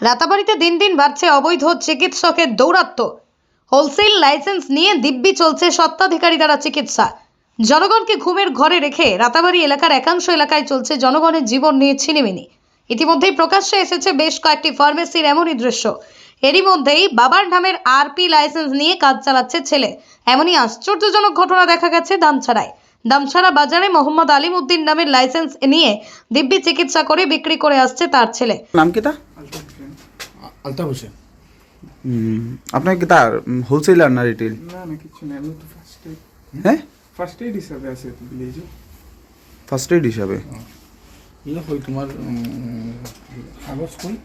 রাতাবাড়িতে দিন দিন বাড়ছে অবৈধ চিকিৎসকের দৌরাত্ম্য। হোলসেল লাইসেন্স নিয়ে দিব্যি চলছে স্বত্বাধিকারী দ্বারা চিকিৎসা। জনগণকে ঘুমের ঘরে রেখে রাতাবাড়ি এলাকার একাংশ এলাকায় চলছে জনগণের জীবন নিয়ে ছিনিমিনি। ইতিমধ্যেই প্রকাশ্যে এসেছে বেশ কয়েকটি ফার্মেসির এমনই দৃশ্য। এরই মধ্যেই বাবার নামের আরপি লাইসেন্স নিয়ে কাজ চালাচ্ছে ছেলে। এমনই আশ্চর্যজনক ঘটনা দেখা গেছে দামছড়ায়। দামছড়া বাজারে মোহাম্মদ আলিম উদ্দিন নামের লাইসেন্স নিয়ে দিব্যি চিকিৎসা করে বিক্রি করে আসছে তার ছেলে। নাম কি তা? আলতাফ হোসেন। আপনার কি তার হোলসেলার না রিটেল? না না কিছু না, আমি তো ফার্স্ট এইড। হ্যাঁ, ফার্স্ট এইড হিসাবে আছে তো ভিলেজে। ফার্স্ট এইড হিসাবে। ইয়ে কই তোমার কাগজ কই?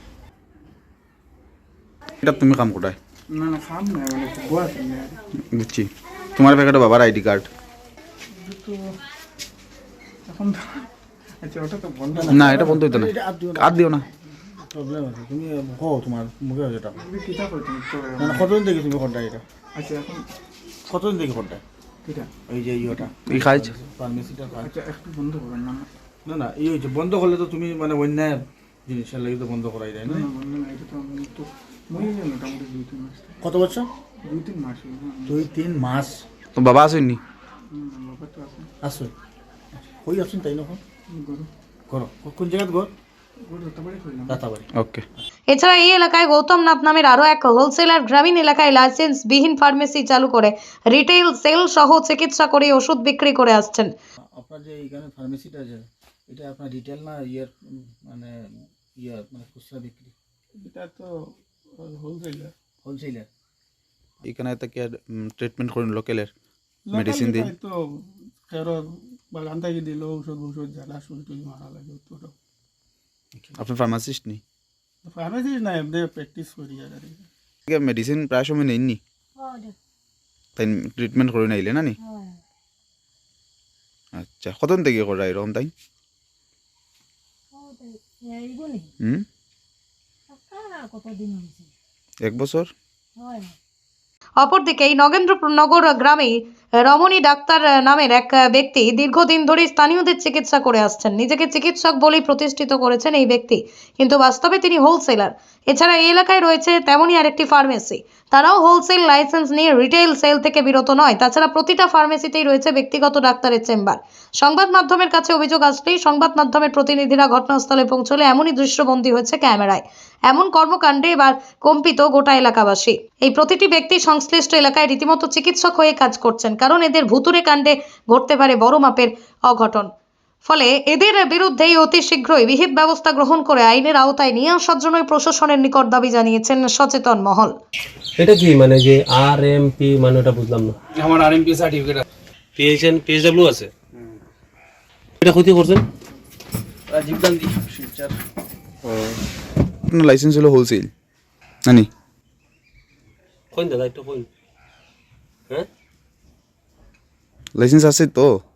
এটা তুমি কাম কোটায়? না না খাম না, মানে গোয়া কেন আর বুঝছি। তোমার প্যাকেটে বাবার আইডি কার্ড? তো এখন আচ্ছা ওটা তো বন্ধ না, এটা বন্ধ হইতো না। কার্ড দিও না। প্রবলেম আছে, তুমি কও তোমার মুখে আছে টাকা। তুমি কিতা করতে তো না কতদিন থেকে তুমি করতে এটা? আচ্ছা এখন কতদিন থেকে করতে? কিতা এই যে ইয়েটা এই কাজ ফার্মেসিটা কাজ। আচ্ছা একটু বন্ধ করবেন না। না না এই হচ্ছে বন্ধ করলে তো তুমি মানে অন্যায় জিনিসের লাগি তো বন্ধ করাই যায় না। না বন্ধ না, এটা তো আমি তো মই মোটামুটি 2-3 মাস। কত বছর? 2-3 মাস হলো না। 2-3 মাস। তো বাবা আসেননি? বাবা তো আছে। আসো কই আসুন তাই নখন গরু করো কোন জায়গাত ঘর? গরু তো বাড়ি কইলাম। দাতাবাড়ি। ওকে। এছাড়া এই এলাকায় গৌতম নাথ নামের আরও এক হোলসেলার গ্রামীণ এলাকায় লাইসেন্সবিহীন ফার্মেসি চালু করে রিটেল সেল সহ চিকিৎসা করে ওষুধ বিক্রি করে আসছেন। আপনার যে এইখানে ফার্মেসিটা আছে এটা আপনার রিটেল না ইয়ার মানে ইয়ার মানে খুচরা বিক্রি? এটা তো হোলসেলার। হোলসেলার। এখানে থেকে ট্রিটমেন্ট করুন লোকালের মেডিসিন দিন। তো খেরো বাগান থেকে দিল ঔষধ জ্বালা শুরু মারা লাগে তো। আপনি ফার্মাসিস্ট নেই? ফার্মেসি না, এমনি প্র্যাকটিস করি আর মেডিসিন প্রায় সময় নেননি? তাই ট্রিটমেন্ট করে নাইলে না নি? আচ্ছা, কতদিন থেকে করা এরকম তাই? হুম, 1 বছর। অপরদিকে এই নগেন্দ্রনগর গ্রামে রমণী ডাক্তার নামের এক ব্যক্তি দীর্ঘদিন ধরে স্থানীয়দের চিকিৎসা করে আসছেন। নিজেকে চিকিৎসক বলেই প্রতিষ্ঠিত করেছেন এই ব্যক্তি, কিন্তু বাস্তবে তিনি হোলসেলার। এছাড়া এই এলাকায় রয়েছে তেমনই আরেকটি ফার্মেসি, তারাও হোলসেল লাইসেন্স নিয়ে রিটেল সেল থেকে বিরত নয়। তাছাড়া প্রতিটা ফার্মেসিতেই রয়েছে ব্যক্তিগত ডাক্তারের চেম্বার। সংবাদ মাধ্যমের কাছে অভিযোগ আসলেই সংবাদ মাধ্যমের প্রতিনিধিরা ঘটনাস্থলে পৌঁছলে এমনই দৃশ্যবন্দী হয়েছে ক্যামেরায়। এমন কর্মকাণ্ডে এবার কম্পিত গোটা এলাকাবাসী। এই প্রতিটি ব্যক্তি সংশ্লিষ্ট এলাকায় রীতিমতো চিকিৎসক হয়ে কাজ করছেন, কারণ এদের ভুতুড়ে কাণ্ডে ঘটতে পারে বড় মাপের অঘটন। ফলে এদের বিরুদ্ধেই অতি শীঘ্রই বিহিত ব্যবস্থা গ্রহণ করে আইনের আওতায় নিয়ে আসার জন্য প্রশাসনের নিকট দাবি জানিয়েছেন সচেতন মহল। এটা কি মানে যে আরএমপি মানে ওটা বুঝলাম না। আমার আরএমপি সার্টিফিকেট আছে, পিএইচএন পিএইচডব্লিউ আছে। এটা ক্ষতি করছেন রাজীব গান্ধী শিলচর। আপনার লাইসেন্স হলো হোলসেল না নি? কইন দাদা একটু কইন। হ্যাঁ লাইসেন্স আছে তো?